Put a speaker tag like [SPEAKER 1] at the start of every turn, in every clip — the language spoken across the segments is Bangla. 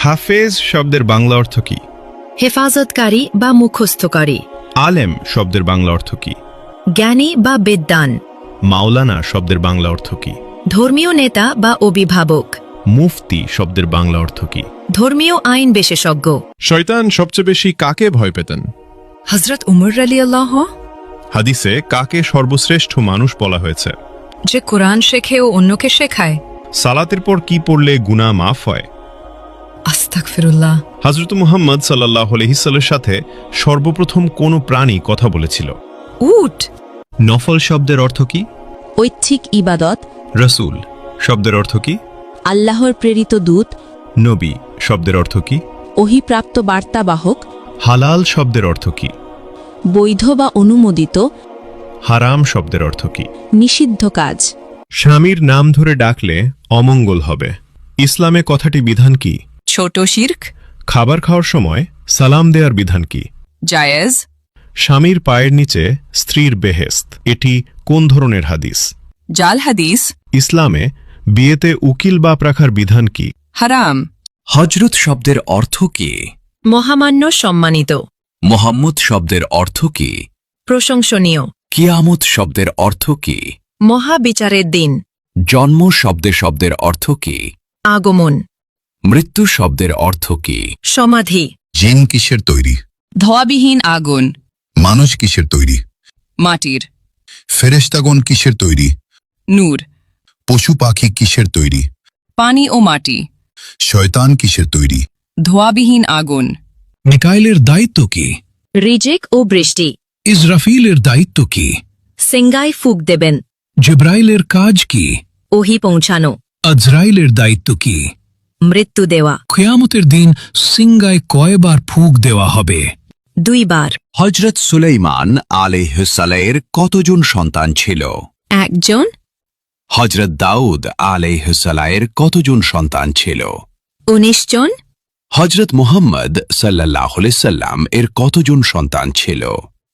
[SPEAKER 1] হাফেজ শব্দের বাংলা অর্থ কি?
[SPEAKER 2] হেফাজতকারী বা মুখস্থকারী।
[SPEAKER 1] আলেম শব্দের বাংলা অর্থ কি?
[SPEAKER 2] জ্ঞানী বা বিদ্বান।
[SPEAKER 1] মাওলানা শব্দের বাংলা অর্থ কি?
[SPEAKER 2] ধর্মীয় নেতা বা অভিভাবক।
[SPEAKER 1] মুফতি শব্দের বাংলা অর্থ কি?
[SPEAKER 2] ধর্মীয় আইন বিশেষজ্ঞ।
[SPEAKER 1] শয়তান সবচেয়ে বেশি কাকে ভয় পেতেন?
[SPEAKER 2] হযরত উমর রাদিয়াল্লাহু।
[SPEAKER 1] হাদিসে কাকে সর্বশ্রেষ্ঠ মানুষ বলা হয়েছে?
[SPEAKER 2] যে কোরআন শেখে ও অন্যকে শেখায়।
[SPEAKER 1] সালাতের পর কি পড়লে গুনাহ মাফ হয়?
[SPEAKER 2] আস্তাগফিরুল্লাহ।
[SPEAKER 1] হযরত মুহাম্মদ সাল্লাল্লাহু আলাইহি সাল্লামের সাথে সর্বপ্রথম কোন প্রাণী কথা বলেছিল?
[SPEAKER 2] উট।
[SPEAKER 1] নফল শব্দের অর্থ কি?
[SPEAKER 3] ঐচ্ছিক ইবাদত।
[SPEAKER 1] রাসূল শব্দের অর্থ কি?
[SPEAKER 3] আল্লাহর প্রেরিত দূত।
[SPEAKER 1] নবী শব্দের অর্থ কি?
[SPEAKER 3] ওহীপ্রাপ্ত বার্তাবাহক।
[SPEAKER 1] হালাল শব্দের অর্থ কি?
[SPEAKER 3] বৈধ বা অনুমোদিত।
[SPEAKER 1] হারাম শব্দের অর্থ কি?
[SPEAKER 3] নিষিদ্ধ কাজ।
[SPEAKER 1] স্বামীর নাম ধরে ডাকলে অমঙ্গল হবে। ইসলামে কথাটি বিধান কি?
[SPEAKER 4] ছোট শিরক।
[SPEAKER 1] খাবার খাওয়ার সময় সালাম দেওয়ার বিধান কি?
[SPEAKER 4] জায়েজ।
[SPEAKER 1] স্বামীর পায়ের নিচে স্ত্রীর বেহেশত, এটি কোন ধরনের হাদিস?
[SPEAKER 4] জাল হাদিস।
[SPEAKER 1] ইসলামে বিয়েতে উকিল বাপ রাখার বিধান কি?
[SPEAKER 4] হারাম।
[SPEAKER 5] হজরত শব্দের অর্থ কি?
[SPEAKER 2] মহামান্য, সম্মানিত।
[SPEAKER 5] মোহাম্মদ শব্দের অর্থ কি?
[SPEAKER 2] প্রশংসনীয়।
[SPEAKER 5] কিয়ামত শব্দের অর্থ কি?
[SPEAKER 2] মহাবিচারের দিন।
[SPEAKER 5] জন্ম শব্দের অর্থ কি?
[SPEAKER 2] আগমন।
[SPEAKER 5] মৃত্যু শব্দের অর্থ কি?
[SPEAKER 2] সমাধি।
[SPEAKER 6] জিন কিসের তৈরি?
[SPEAKER 4] ধোয়াবিহীন আগুন।
[SPEAKER 6] মানুষ কিসের তৈরি?
[SPEAKER 4] মাটির।
[SPEAKER 6] ফেরেশতাগণ কিসের তৈরি?
[SPEAKER 4] নূর।
[SPEAKER 6] পশু পাখি কিসের তৈরি?
[SPEAKER 4] পানি ও মাটি।
[SPEAKER 6] শয়তান কিসের তৈরি?
[SPEAKER 4] ধোয়াবিহীন আগুন।
[SPEAKER 7] মিকাইলের দায়িত্ব কি?
[SPEAKER 2] রিজিক ও বৃষ্টি।
[SPEAKER 7] ইসরাফিলের দায়িত্ব কি?
[SPEAKER 2] সিঙ্গায় ফুক দেবেন।
[SPEAKER 7] জিব্রাইলের কাজ কি?
[SPEAKER 2] ওহী পৌঁছানো।
[SPEAKER 7] আজরাইলের দায়িত্ব কি?
[SPEAKER 2] মৃত্যু দেওয়া।
[SPEAKER 7] কিয়ামতের দিন সিঙ্গায় কয়বার ফুঁক দেওয়া হবে?
[SPEAKER 2] 2 বার।
[SPEAKER 5] হজরত সুলাইমান আলাইহিসসালামের কতজন সন্তান ছিল?
[SPEAKER 2] 1 জন।
[SPEAKER 5] হজরত দাউদ আলাইহিসসালামের কতজন সন্তান ছিল?
[SPEAKER 2] 19 জন।
[SPEAKER 5] হজরত মুহাম্মদ সাল্লাল্লাহু আলাইহি সাল্লাম এর কতজন সন্তান ছিল?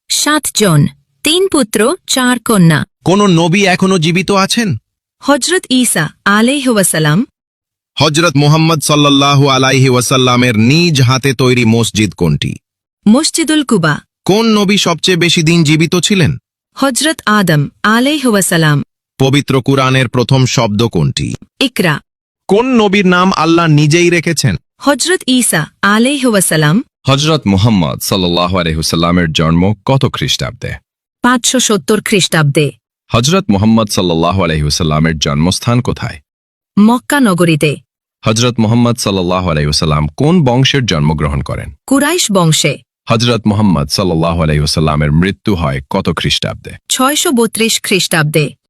[SPEAKER 2] 7 জন। 3 পুত্র 4 কন্যা।
[SPEAKER 8] কোন নবী এখনো জীবিত আছেন?
[SPEAKER 2] হযরত ঈসা আলাইহি ওয়াসাল্লাম।
[SPEAKER 8] হজরত মুহাম্মদ সাল্লাল্লাহু আলাইহি ওয়াসাল্লামের নিজ হাতে তৈরি মসজিদ কোনটি?
[SPEAKER 2] মসজিদুল কুবা।
[SPEAKER 8] কোন নবী সবচেয়ে বেশি দিন জীবিত ছিলেন?
[SPEAKER 2] হযরত আদম আলাইহি ওয়াসাল্লাম।
[SPEAKER 8] পবিত্র কুরআনের প্রথম শব্দ কোনটি?
[SPEAKER 2] ইকরা।
[SPEAKER 8] কোন নবীর নাম আল্লাহ নিজেই রেখেছেন?
[SPEAKER 2] হযরত ঈসা আলাইহি ওয়াসাল্লাম।
[SPEAKER 9] হজরত মুহাম্মদ সাল্লাল্লাহু আলাইহি ওয়াসাল্লামের জন্ম কত খ্রিস্টাব্দে?
[SPEAKER 2] 570 খ্রিস্টাব্দে।
[SPEAKER 9] হজরত মুহাম্মদ সাল্লাল্লাহু আলাইহি ওয়াসাল্লামের জন্মস্থান কোথায়?
[SPEAKER 2] মক্কা নগরীতে।
[SPEAKER 9] হজরত মুহাম্মদ সাল্লাল্লাহু আলাইহি ওয়াসাল্লাম কোন বংশের জন্মগ্রহণ করেন?
[SPEAKER 2] কুরাইশ বংশে।
[SPEAKER 9] হজরত মুহাম্মদ সাল্লাল্লাহু আলাইহি ওয়াসাল্লামের মৃত্যু হয় কত খ্রিস্টাব্দে?
[SPEAKER 2] 632 খ্রিস্টাব্দে।